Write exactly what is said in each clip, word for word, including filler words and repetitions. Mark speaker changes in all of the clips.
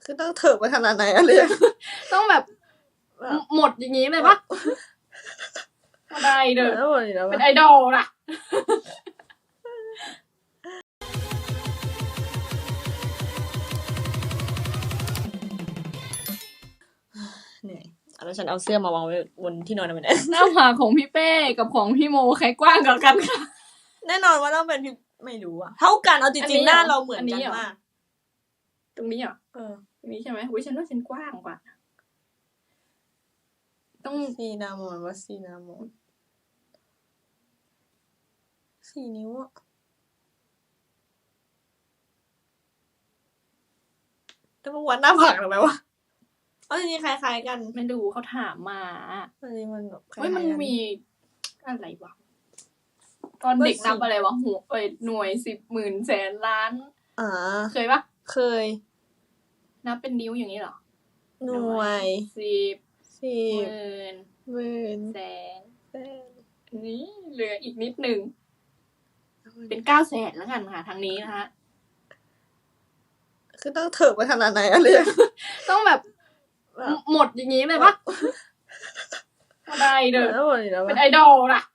Speaker 1: คือต้องเถิบไปขนาดไหนอะเรียน
Speaker 2: ต้องแบบ
Speaker 1: แบบ
Speaker 2: หมดอย่างนี้เลยปะไม่ได้เด้อ
Speaker 1: แล้วหมดอีกแล้ว
Speaker 2: เป็น
Speaker 1: ปะ
Speaker 2: ไอดอลล่ะ
Speaker 1: เหนื่อยเอาแล้วฉันเอาเสื้อมาวางไว้บนที่นอนทำไมเนี่ย
Speaker 2: หน้าผากของพี่เป้กับของพี่โมใครกว้างกว่ากันคะ
Speaker 1: แน่นอนว่าต้องเป็นพี่ไม่รู้อะเท่ากันเอาจ
Speaker 2: อัน
Speaker 1: ริ
Speaker 2: นี้
Speaker 1: งๆหน้า
Speaker 2: เหรอ
Speaker 1: เราเหมือน
Speaker 2: อันนี้
Speaker 1: กัน
Speaker 2: เหรอ
Speaker 1: มาก
Speaker 2: ตรงนี้เหรอ
Speaker 1: เออ
Speaker 2: ตรงนี้ใช่ไหมอุ้ยฉันว่าฉันกว้างกว่า ต้อง
Speaker 1: ซีนามอนว่าซีนามอนสี่นิ้วอะจะมาวัดหน้าผากทำไมวะเอาจริงๆคล้ายๆกัน
Speaker 2: ไม่ดูเขาถามมา
Speaker 1: จริงๆมันแบบคล้า
Speaker 2: เฮ้ย
Speaker 1: ยๆ
Speaker 2: มัน
Speaker 1: กัน
Speaker 2: มีอะไรวะ ตอนเด็ก
Speaker 1: เบอร์สี่
Speaker 2: นับอะไรวะหัวเอ้ยหน่วยสิบหมื่นแสนล้าน
Speaker 1: อ่า
Speaker 2: เคยปะ
Speaker 1: เคย
Speaker 2: นับเป็นนิ้วอย่างนี้เหรอ
Speaker 1: หน่วย
Speaker 2: สิบ
Speaker 1: สิ
Speaker 2: ห
Speaker 1: บ
Speaker 2: มื่น
Speaker 1: หมื่น
Speaker 2: แสน
Speaker 1: แสน
Speaker 2: นี่เหลืออีกนิดหนึ่ง เป็นเก้าแสนแล้วกันค่ะทางนี้นะคะ
Speaker 1: คือต้องเถิบไปขนาดไหนอะเรียน
Speaker 2: ต้องแบบ
Speaker 1: แบบ
Speaker 2: หมดอย่างนี้เลยปะไม่ได้เด้อ
Speaker 1: แล้วหมดอีกแล้ว
Speaker 2: เป็น
Speaker 1: ปะ
Speaker 2: ไอดอลล่ะ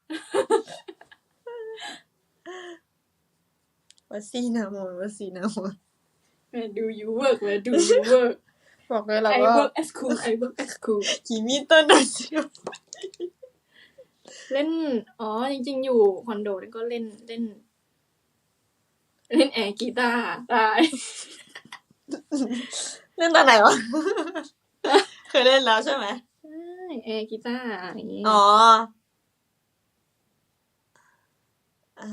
Speaker 1: ว่าซีนามอนว่าซีนามอน
Speaker 2: Where do you work Where do you work
Speaker 1: บอกเลยเรา
Speaker 2: I
Speaker 1: ก็
Speaker 2: work at school I work at school
Speaker 1: กีมิเตอร์นัชิโอ
Speaker 2: เล่น อ๋อ จริงๆ อยู่คอนโดแล้วก็เล่นเล่น เล่นแอร์กีตาร์ได้
Speaker 1: เล่นตอนไหนวะ เคยเล่นแล้วใช่ไหม
Speaker 2: ใช่แอร์กีตาร์อย่างนี้
Speaker 1: อ๋ออ่ะ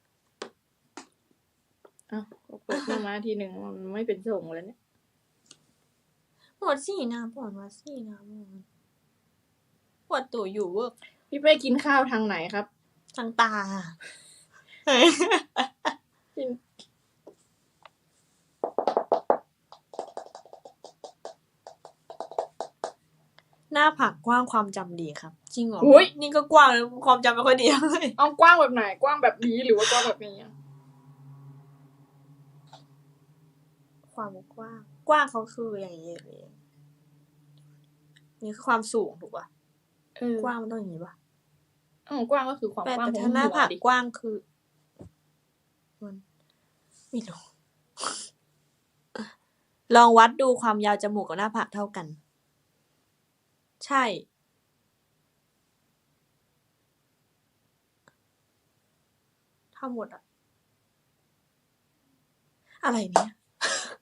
Speaker 2: อ้าวเปิดมามาทีหนึ่งมันไม่เป็นส่งแล้วเนี่ย
Speaker 1: หมดสี่นะปวดว่าสี่นะมอนปวดตัวอยู่เวิร์ก
Speaker 2: พี่เป้กินข้าวทางไหนครับ
Speaker 1: ทางตา
Speaker 2: กิน
Speaker 1: หน้าผากกว้างความจำดีครับ จริงเหรอ
Speaker 2: อุ๊ย
Speaker 1: นี่ก็กว้างแล้วความจำไม่ค่อยดีเลย
Speaker 2: เอากว้างแบบไหน กว้างแบบนี้หรือว่ากว้างแบบนี้อะ
Speaker 1: ความกว้าง กว้างเขาคืออย่างนี้เลยนี่คือความสูงถูกป่ะ
Speaker 2: เออก
Speaker 1: ว้างมันต้องอย่างนี้ป่ะ
Speaker 2: อ้าวกว้างก็คือความ
Speaker 1: แต่
Speaker 2: กว้าง
Speaker 1: แต่
Speaker 2: ของ
Speaker 1: ถ้าหน้า
Speaker 2: หัว
Speaker 1: ผาก
Speaker 2: ดิ
Speaker 1: กว้างคือมันไม่รู้ ลองวัดดูความยาวจมูกกับหน้าผากเท่ากัน ใช่เท่าหมดอะอะไรเนี่ย